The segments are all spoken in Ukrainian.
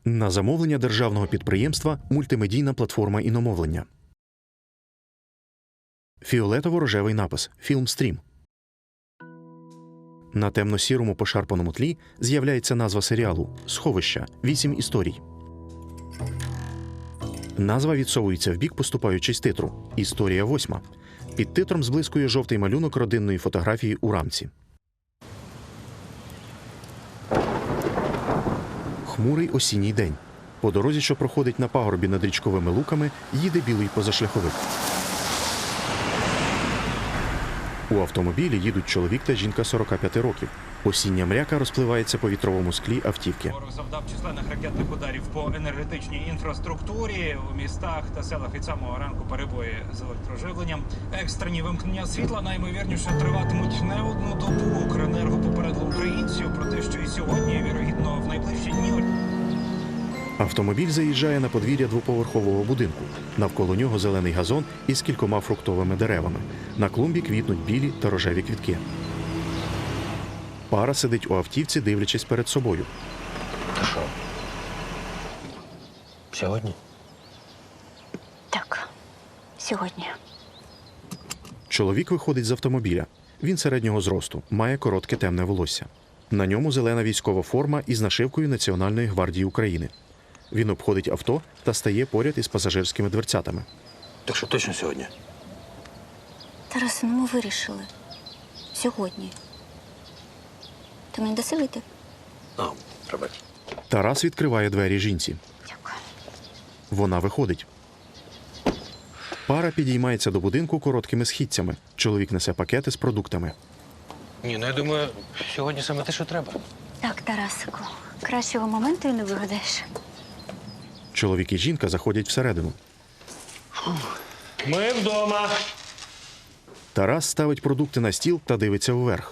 На замовлення державного підприємства «Мультимедійна платформа іномовлення». Фіолетово-рожевий напис «Фільмстрім». На темно-сірому пошарпаному тлі з'являється назва серіалу «Сховища. 8 історій». Назва відсовується вбік, поступаючи з титру «Історія 8». Під титром зблискує жовтий малюнок родинної фотографії у рамці. Хмурий осінній день. По дорозі, що проходить на пагорбі над річковими луками, їде білий позашляховик. У автомобілі їдуть чоловік та жінка 45 років. Осіння мряка розпливається по вітровому склі автівки. Ворог завдав численних ракетних ударів по енергетичній інфраструктурі. У містах та селах від самого ранку перебої з електроживленням. Екстрені вимкнення світла наймовірніше триватимуть не одну добу. Укренерго попередило українців про те, що і сьогодні, і, вірогідно, в найближчі дні. Автомобіль заїжджає на подвір'я двоповерхового будинку. Навколо нього зелений газон із кількома фруктовими деревами. На клумбі квітнуть білі та рожеві квітки. Пара сидить у автівці, дивлячись перед собою. Ти що? Сьогодні? Так, сьогодні. Чоловік виходить з автомобіля. Він середнього зросту, має коротке темне волосся. На ньому зелена військова форма із нашивкою Національної гвардії України. Він обходить авто та стає поряд із пасажирськими дверцятами. Так що точно сьогодні? Тарасе, ну ми вирішили. Сьогодні. Ти мені даси вийти? Пробач. Тарас відкриває двері жінці. Дякую. Вона виходить. Пара підіймається до будинку короткими східцями. Чоловік несе пакети з продуктами. Ні, ну я думаю, сьогодні саме те, що треба. Так, Тарасику, кращого моменту і не вигадаєш. Чоловік і жінка заходять всередину. Ми вдома. Тарас ставить продукти на стіл та дивиться вверх.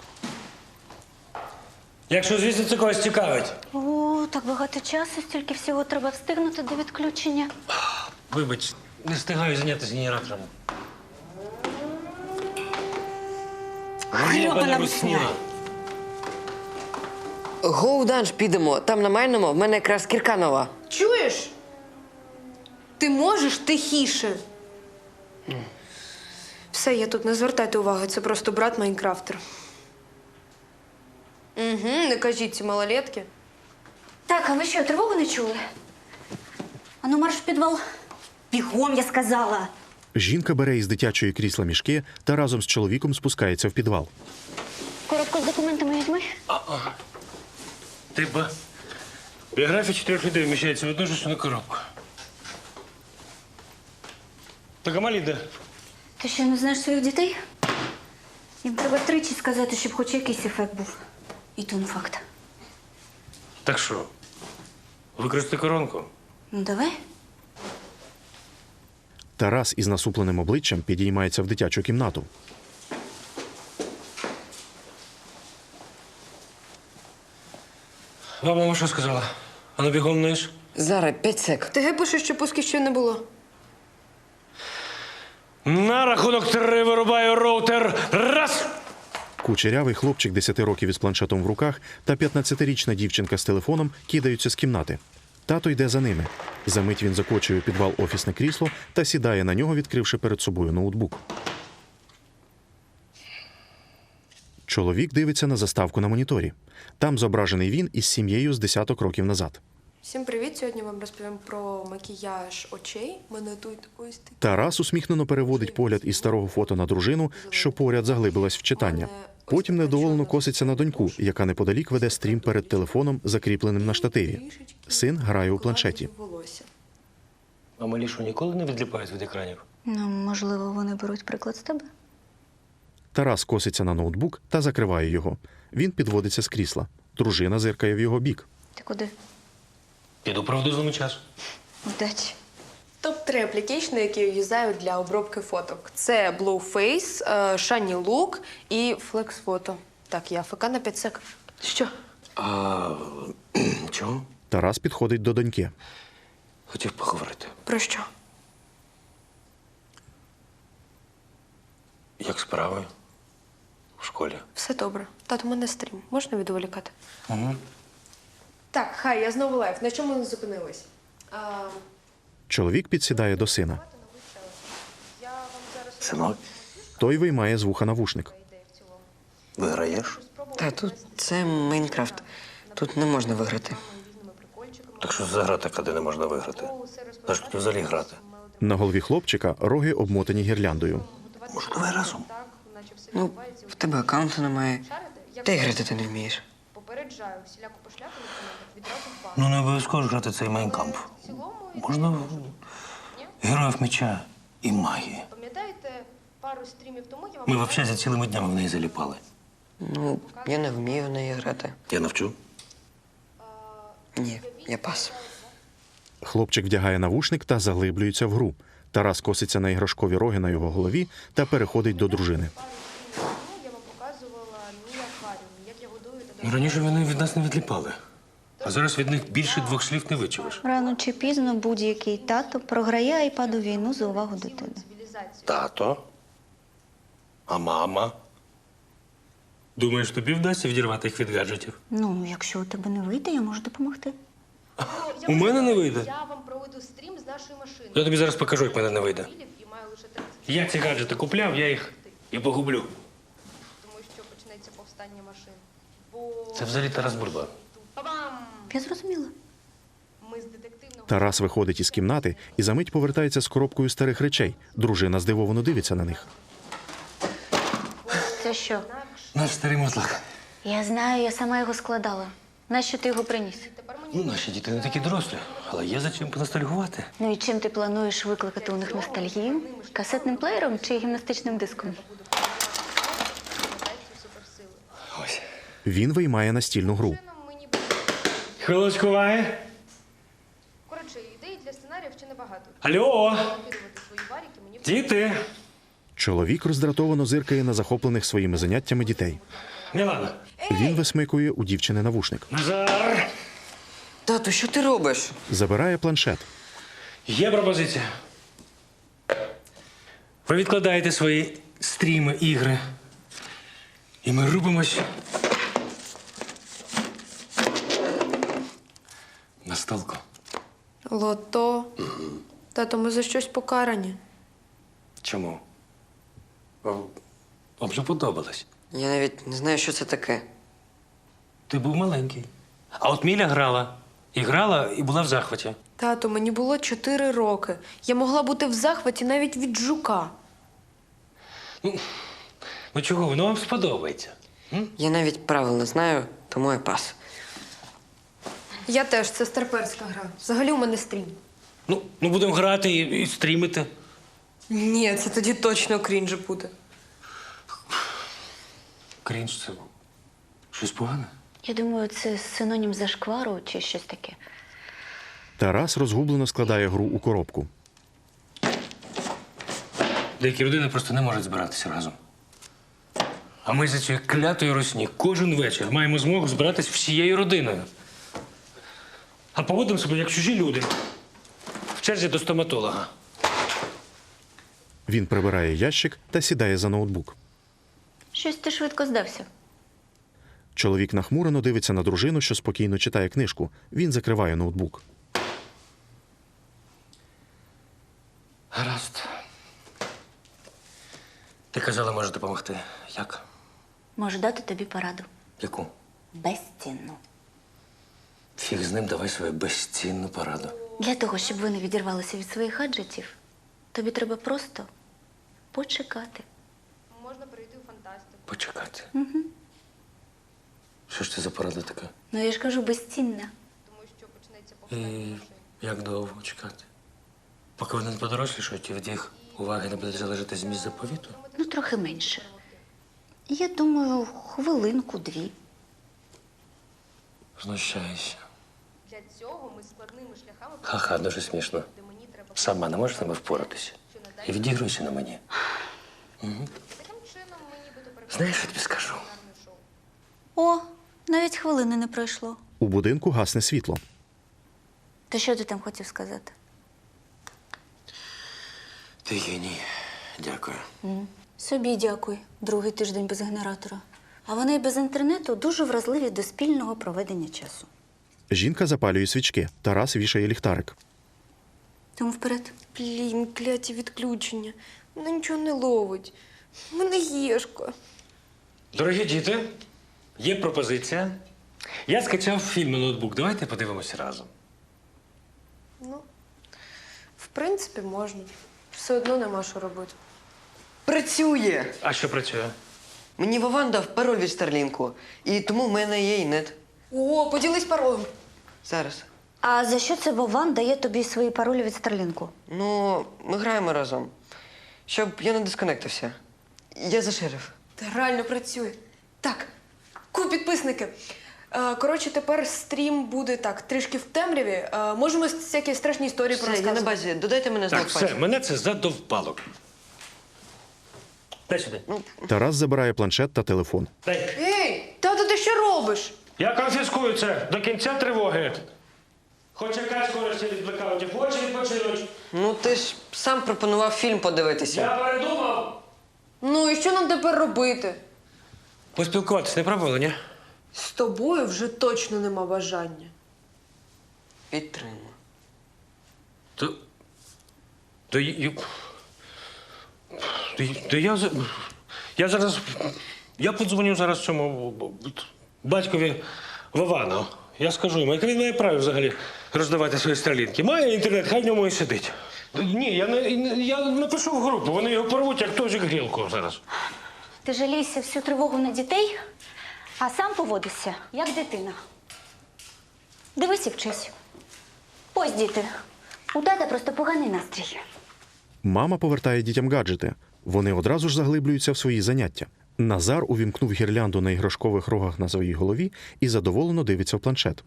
Якщо, звісно, це когось цікавить. О, так багато часу, стільки всього треба встигнути до відключення. Вибач, не встигаю зайнятися генератором. Грьобана русня. Гоу-данж підемо. Там на Мальному в мене якраз кірка нова. Чуєш? Ти можеш тихіше? Все, я тут, не звертайте уваги, це просто брат Майнкрафтер. Угу, не кажіть ці малолетки. Так, а ви що, тривогу не чули? Ану, марш в підвал. Бігом, я сказала. Жінка бере із дитячої крісла мішки та разом з чоловіком спускається в підвал. Коробку з документами візьми. Ти ба. Біографія 4 людей вміщається в одну ж коробку. Так а малі де? Ти що, не знаєш своїх дітей? Їм треба тричі сказати, щоб хоч якийсь ефект був. І то не факт. Так що, використати коронку? Ну, давай. Тарас із насупленим обличчям підіймається в дитячу кімнату. Вам мама що сказала? А ну бігом вниз. Зараз, 5 сек. ТГ пише, що пуски ще не було. На рахунок 3 вирубаю роутер. Раз! Кучерявий хлопчик 10 років із планшетом в руках та 15-річна дівчинка з телефоном кидаються з кімнати. Тато йде за ними. Замить він закочує у підвал офісне крісло та сідає на нього, відкривши перед собою ноутбук. Чоловік дивиться на заставку на моніторі. Там зображений він із сім'єю з десяток років назад. Всім привіт! Сьогодні вам розповім про макіяж очей. Мене тут ось такі. Тарас усміхнено переводить погляд із старого фото на дружину, що поряд заглибилась в читання. Потім недоволено коситься на доньку, яка неподалік веде стрім перед телефоном, закріпленим на штативі. Син грає у планшеті. А малі що ніколи не відліпають від екранів? Ну, можливо, вони беруть приклад з тебе. Тарас коситься на ноутбук та закриває його. Він підводиться з крісла. Дружина зиркає в його бік. Ти куди? Піду правду часу. Удачі. Топ-3 аплікейшни, які я юзаю для обробки фоток. Це Blueface, Shiny Look і Flex Photo. Так, я АФК на 5 сек. Що? Чого? Тарас підходить до доньки. Хотів поговорити. Про що? Як справи? В школі? Все добре. Тато, у мене стрім. Можна відволікати? Угу. Так, хай, я знову лайв. На чому ми зупинились? Чоловік підсідає до сина. Синок, Той виймає з вуха навушник. виграєш? Та тут це Майнкрафт. Тут не можна виграти. Так що за гра така, де не можна виграти? За що тут взагалі грати? На голові хлопчика роги обмотані гірляндою. Може, давай разом? Ну, в тебе аккаунту немає. Та й грати ти не вмієш. Попереджаю, всіляку пошляку на коментах відразу в бан. Ну, не обов'язково ж грати цей майнкамп. Можна героїв меча і магії. Пам'ятаєте, пару стрімів тому я вам... Ми взагалі за цілими днями в неї заліпали. Ну, я не вмію в неї грати. Я навчу. Ні, я пас. Хлопчик вдягає навушник та заглиблюється в гру. Тарас коситься на іграшкові роги на його голові та переходить до дружини. Я вам показувала мій акваріум, як я годую та Раніше вони від нас не відліпали. А зараз від них більше 2 слів не вичуєш. Рано чи пізно будь-який тато програє айпаду війну за увагу дитини. Тато? А мама? Думаєш, тобі вдасться відірвати їх від гаджетів? Ну, якщо у тебе не вийде, я можу допомогти. У мене не вийде. Я вам проведу стрім з нашої машини. Я тобі зараз покажу, як мене не вийде. І маю лише 30, Я ці гаджети купляв, я їх і погублю. тому що почнеться повстання машин. Бо... Це взагалі Тарас Бульба. Па-бам! Я зрозуміла. Ми з детективного... Тарас виходить із кімнати і за мить повертається з коробкою старих речей. Дружина здивовано дивиться на них. Це що? Наш старий мотлак. Я знаю, я сама його складала. Нащо ти його приніс? Ну, наші діти не такі дорослі, але є за чим поностальгувати. Ну і чим ти плануєш викликати у них ностальгію? Касетним плеєром чи гімнастичним диском? Ось. Він виймає настільну гру. Мені... Хвилочку уваги. Коротше, ідей для сценаріїв ще небагато. Алло, Накидувати свої варіки мені... діти. Чоловік роздратовано зиркає на захоплених своїми заняттями дітей. Мілана. Він висмикує у дівчини навушник. Назар. Тату, що ти робиш? Забирає планшет. Є пропозиція. Ви відкладаєте свої стріми, ігри. І ми рубимось на столку. Лото. Тато, ми за щось покарані. Чому? Вам же подобалось. Я навіть не знаю, що це таке. Ти був маленький. А от Міля грала. І грала, і була в захваті. Тато, мені було 4 роки. Я могла бути в захваті навіть від жука. Ну чого, воно вам сподобається. Я навіть правил не знаю, тому я пас. Я теж, це старперська гра. Взагалі у мене стрім. Ну будемо грати і стрімити. Ні, це тоді точно крінж буде. Крінж це щось погане? Я думаю, це синонім зашквару чи щось таке. Тарас розгублено складає гру у коробку. Деякі родини просто не можуть збиратися разом. А ми за цією клятою русні кожен вечір маємо змогу збиратись всією родиною. А поводимо себе як чужі люди. В черзі до стоматолога. Він прибирає ящик та сідає за ноутбук. Щось ти швидко здався. Чоловік нахмурено дивиться на дружину, що спокійно читає книжку. Він закриває ноутбук. Гаразд. Ти казала, може допомогти. Як? Можу дати тобі пораду. Яку? Безцінну. Фіг з ним, давай свою безцінну пораду. Для того, щоб ви не відірвалися від своїх гаджетів, тобі треба просто почекати. Можна перейти в фантастику. Почекати. Що ж це за порада така? Ну, я ж кажу, безцінна. Тому що почнеться І повстання машин. як довго чекати? Поки вони не подорослішають, і від їх уваги не буде залежати зміст заповіту? Ну, трохи менше. Я думаю, хвилинку-дві. Знущаюся. Для цього ми складними шляхами... Ха-ха, дуже смішно. де мені треба... Сама не можеш з ними впоратися. І відігруйся на мені. Таким чином ми нібито Знаєш, що я тобі скажу? переконане шоу. О, навіть хвилини не пройшло. У будинку гасне світло. То що ти там хотів сказати? Ти геній. Дякую. Собі дякую. Другий тиждень без генератора. А вони й без інтернету дуже вразливі до спільного проведення часу. Жінка запалює свічки. Тарас вішає ліхтарик. Тому вперед. Блін, кляті відключення. Вона нічого не ловить. В мене гішко. Дорогі діти, є пропозиція. Я скачав фільм на ноутбук. Давайте подивимося разом. Ну, в принципі, можна. Все одно нема що робити. Працює! А що працює? Мені Вован дав пароль від Старлінку, і тому в мене є і нет. О, поділись паролем. Зараз. А за що це Вован дає тобі свої паролі від Старлінку? Ну, ми граємо разом. Щоб я не дисконектився. Я заширив. Та реально працює. Так, підписники. Коротше, тепер стрім буде так, трішки в темряві. Можемо всякі страшні історії Все, я на порозказувати. базі. Додайте мене знак Так, все, пальця. мене це задовпало. Дай сюди. Тарас забирає планшет та телефон. Дай. Ей, тато, ти що робиш? Я конфіскую це до кінця тривоги. Хоч якась користь від блекаутів, хоче відпочинуть. Ну, ти ж сам пропонував фільм подивитися. Я передумав. Ну і що нам тепер робити? Поспілкуватись не пробували, ні? З тобою вже точно нема бажання. Підтримую. То я зараз. Я подзвоню зараз цьому батькові Вовану. Я скажу йому, яке він має право взагалі роздавати свої стрілінки. Має інтернет, хай в ньому і сидить. Ні, я напишу в групу, вони його порвуть, як тожик грілку зараз. Ти жалійся всю тривогу на дітей, а сам поводишся, як дитина. Дивись і вчись. Ось, діти, у тата просто поганий настрій. Мама повертає дітям гаджети. Вони одразу ж заглиблюються в свої заняття. Назар увімкнув гірлянду на іграшкових рогах на своїй голові і задоволено дивиться в планшет.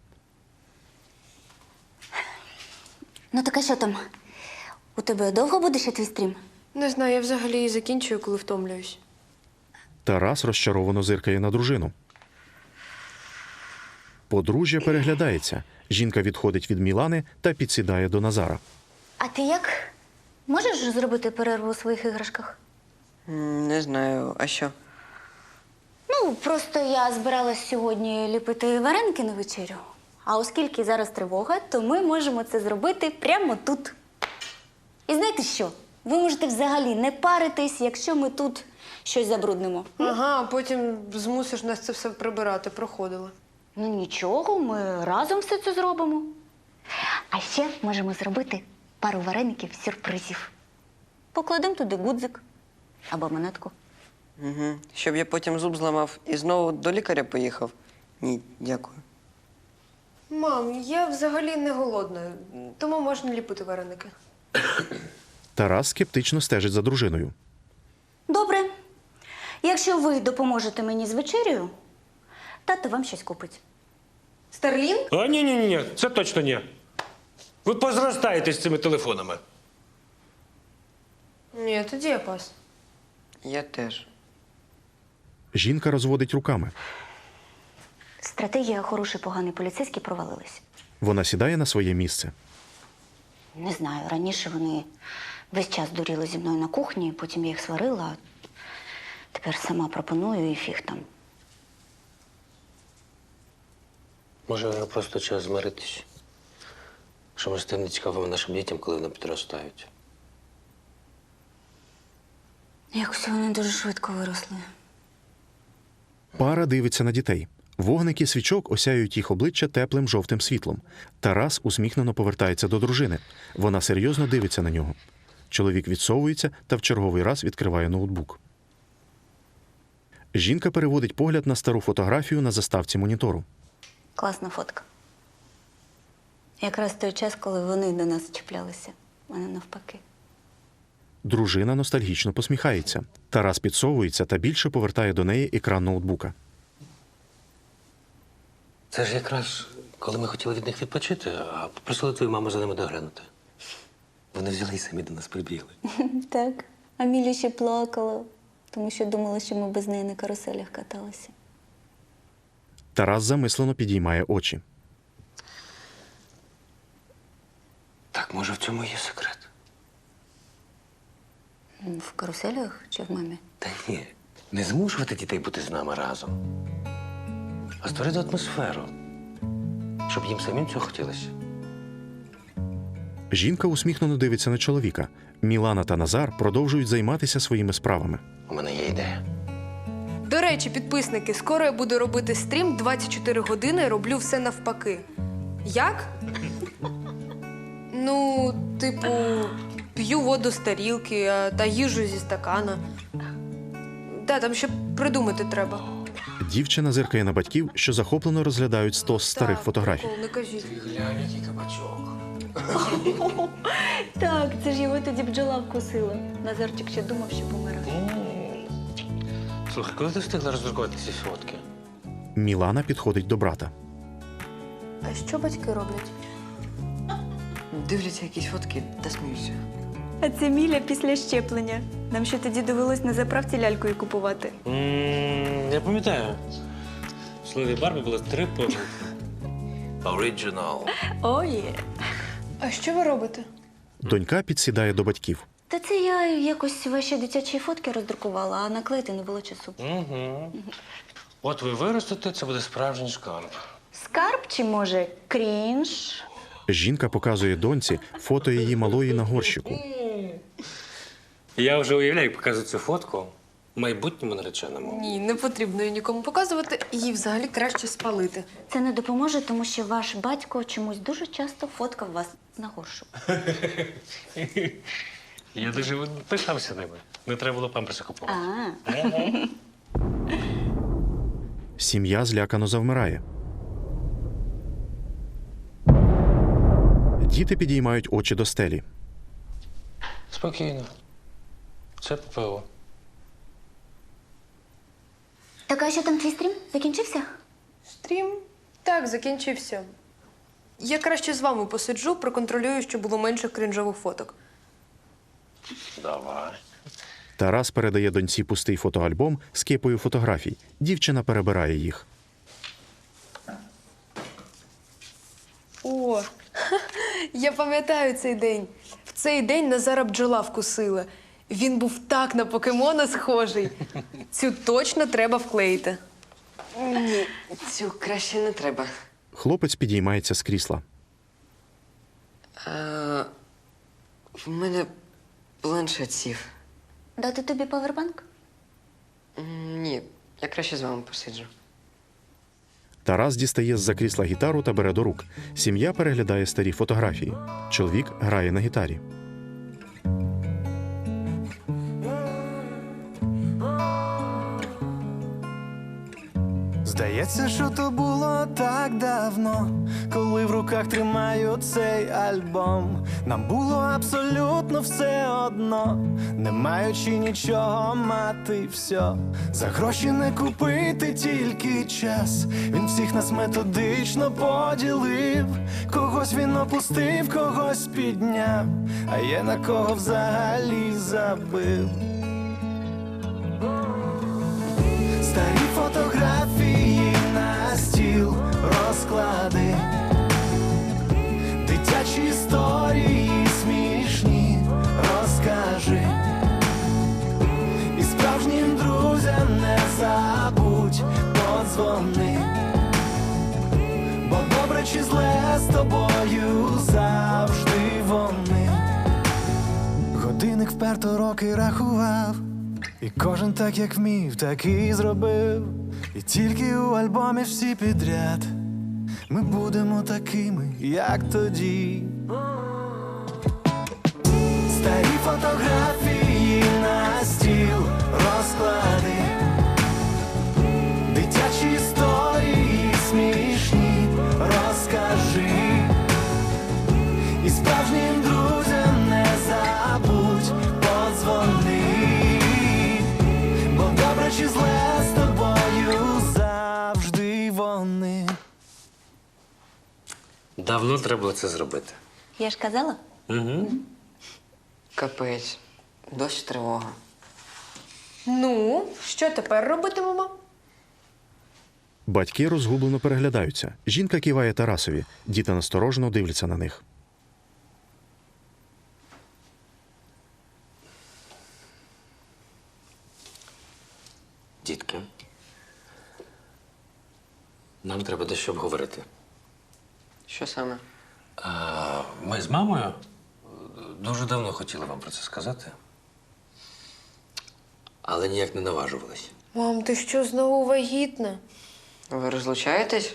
Ну так а що там? У тебе довго буде ще твій стрім? Не знаю, я взагалі її закінчую, коли втомлююсь. Тарас розчаровано зиркає на дружину. Подружжя переглядається. Жінка відходить від Мілани та підсідає до Назара. А ти як? Можеш зробити перерву у своїх іграшках? Не знаю, а що? Ну, просто я збиралась сьогодні ліпити вареники на вечерю. А оскільки зараз тривога, то ми можемо це зробити прямо тут. І знаєте що? Ви можете взагалі не паритись, якщо ми тут щось забруднимо. Ага, а потім змусиш нас це все прибирати, проходила. Ну нічого, ми разом все це зробимо. А ще можемо зробити пару вареників сюрпризів. Покладемо туди гудзик або монетку. Угу. Щоб я потім зуб зламав і знову до лікаря поїхав? Ні, дякую. Мам, я взагалі не голодна, тому можна ліпити вареники. Тарас скептично стежить за дружиною. Добре. Якщо ви допоможете мені з вечерею, тато вам щось купить. Старлінг? А ні, це точно ні. Ви позростаєте з цими телефонами. Ні, тоді я пас. Я теж. Жінка розводить руками. Стратегія хороший, поганий поліцейський провалилась. Вона сідає на своє місце. Не знаю, раніше вони весь час дуріли зі мною на кухні, потім я їх сварила, а тепер сама пропоную і фіг там. Може, вже просто час змиритись. Що ми стане цікавимо нашим дітям, коли вони підростають. Якось вони дуже швидко виросли. Пара дивиться на дітей. Вогники свічок осяють їх обличчя теплим жовтим світлом. Тарас усміхнено повертається до дружини. Вона серйозно дивиться на нього. Чоловік відсовується та в черговий раз відкриває ноутбук. Жінка переводить погляд на стару фотографію на заставці монітору. Класна фотка. Якраз той час, коли вони до нас чіплялися, а не навпаки. Дружина ностальгічно посміхається. Тарас підсовується та більше повертає до неї екран ноутбука. Це ж якраз коли ми хотіли від них відпочити, а попросили твою маму за ними доглянути. Вони взяли і самі до нас прибігли. Так. А Міля ще плакала, тому що думала, що ми без неї на каруселях каталися. Тарас замислено підіймає очі. Так, може, в цьому є секрет? В каруселях чи в мамі? Та ні, не змушувати дітей бути з нами разом, а створити атмосферу, щоб їм самим цього хотілося. Жінка усміхнено дивиться на чоловіка. Мілана та Назар продовжують займатися своїми справами. У мене є ідея. До речі, підписники, скоро я буду робити стрім 24 години, роблю все навпаки. Як? Ну, типу, п'ю воду з тарілки та їжу зі стакана. Там ще придумати треба. Дівчина зиркає на батьків, що захоплено розглядають стос старих Так, фотографій. прикол, не кажіть. Глянь, який кабачок. Так, це ж його тоді бджола вкусила. Назарчик ще думав, що помирає. Слухай, коли ти встигла роздрукувати ці фотки? Мілана підходить до брата. А що батьки роблять? Дивляться якісь фотки та сміються. А це Міля після щеплення. Нам ще тоді довелось на заправці лялькою купувати. Я пам'ятаю. В слові Барбі було 3 помилки. Оригінал. О, є. А що ви робите? Донька підсідає до батьків. Та це я якось ваші дитячі фотки роздрукувала, а наклеїти не було часу. Угу. От ви виростете, це буде справжній шкарб. Скарб чи, може, крінж? Жінка показує доньці фото її малої на горщику. Я вже уявляю, як показую цю фотку майбутньому нареченому. Ні, не потрібно її нікому показувати, її взагалі краще спалити. Це не допоможе, тому що ваш батько чомусь дуже часто фоткав вас на горщику. Я дуже пишався ними. Не треба було памперси купувати. Сім'я злякано завмирає. Діти підіймають очі до стелі. Спокійно. Це ППО. Так, а що там твій стрім? Закінчився? Стрім? Так, закінчився. Я краще з вами посиджу, проконтролюю, щоб було менше крінжових фоток. Давай. Тарас передає доньці пустий фотоальбом з кипою фотографій. Дівчина перебирає їх. О, я пам'ятаю цей день. В цей день Назара бджола вкусила. Він був так на покемона схожий. Цю точно треба вклеїти. Ні, цю краще не треба. Хлопець підіймається з крісла. В мене планшет сів. Дати тобі павербанк? Ні, я краще з вами посиджу. Тарас дістає з-за крісла гітару та бере до рук. Сім'я переглядає старі фотографії. Чоловік грає на гітарі. Здається, що то було так давно, коли в руках тримаю цей альбом. Нам було абсолютно все одно, не маючи нічого мати все. За гроші не купити тільки час. Він всіх нас методично поділив. Когось він опустив, когось підняв, а є на кого взагалі забив. Старі фотографії на стіл розклади, дитячі історії смішні розкажи. І справжнім друзям не забудь подзвони, бо добре чи зле з тобою завжди вони. Годинник вперто роки рахував, і кожен так, як вмів, так і зробив. І тільки у альбомі всі підряд ми будемо такими, як тоді. Старі фотографії на стіл розклади, дитячі історії смішні розкажи. І справжнім друзям не забудь подзвони, бо добре чи зле з тобою завжди вони. Давно треба було це зробити. Я ж казала. Угу. Капець, дощ тривога. Ну, що тепер робитимемо? Батьки розгублено переглядаються. Жінка киває Тарасові. Діти насторожено дивляться на них. Дітки, нам треба дещо обговорити. Що саме? Ми з мамою дуже давно хотіли вам про це сказати. Але ніяк не наважувались. Мам, ти що, знову вагітна? Ви розлучаєтесь?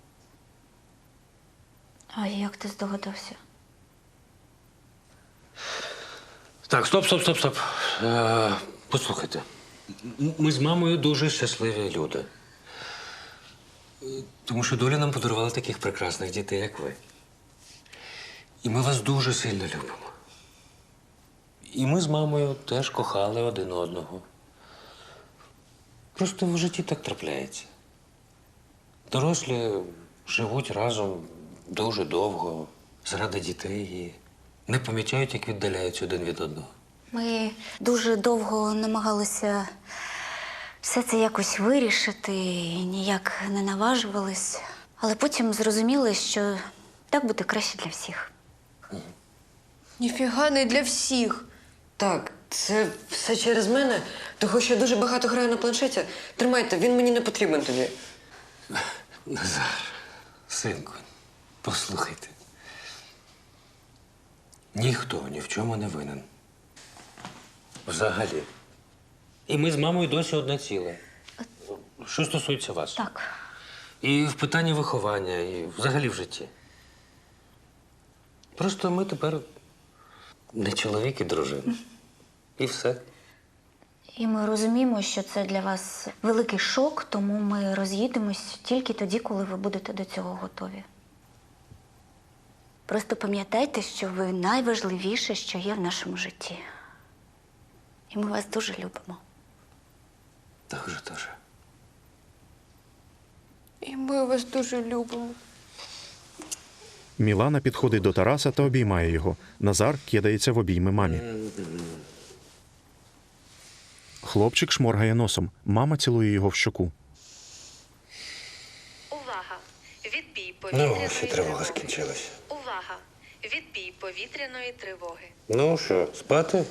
А як ти здогадався? Так, стоп. Послухайте. Ми з мамою дуже щасливі люди. Тому що доля нам подарувала таких прекрасних дітей, як ви. І ми вас дуже сильно любимо. І ми з мамою теж кохали один одного. Просто в житті так трапляється. Дорослі живуть разом дуже довго, заради дітей і не помічають, як віддаляються один від одного. Ми дуже довго намагалися все це якось вирішити, і ніяк не наважувались. Але потім зрозуміли, що так буде краще для всіх. Ніфіга не для всіх. Так, це все через мене, того що я дуже багато граю на планшеті. Тримайте, він мені не потрібен тоді. Назар, синку, послухайте. Ніхто ні в чому не винен. Взагалі. І ми з мамою досі одне ціле. Що стосується вас. Так. І в питанні виховання, і взагалі в житті. Просто ми тепер не чоловік і дружина. І все. І ми розуміємо, що це для вас великий шок, тому ми роз'їдемось тільки тоді, коли ви будете до цього готові. Просто пам'ятайте, що ви найважливіше, що є в нашому житті. І ми вас дуже любимо. Дуже. І ми вас дуже любимо. Мілана підходить до Тараса та обіймає його. Назар кидається в обійми мамі. Хлопчик шморгає носом. Мама цілує його в щоку. Увага! Відбій повітряної Ну, ось і тривога скінчилася. Увага! Відбій повітряної тривоги. Ну що, спати?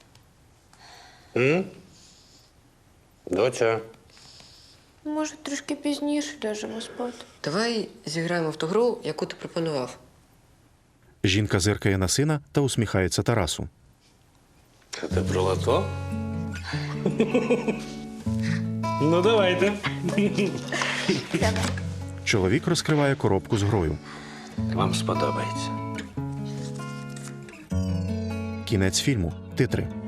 Доця. Може, трішки пізніше ляжемо спати. Давай зіграємо в ту гру, яку ти пропонував. Жінка зиркає на сина та усміхається Тарасу. Це ти про лото? Ну, давайте. Чоловік розкриває коробку з грою. Вам сподобається. Кінець фільму. Титри.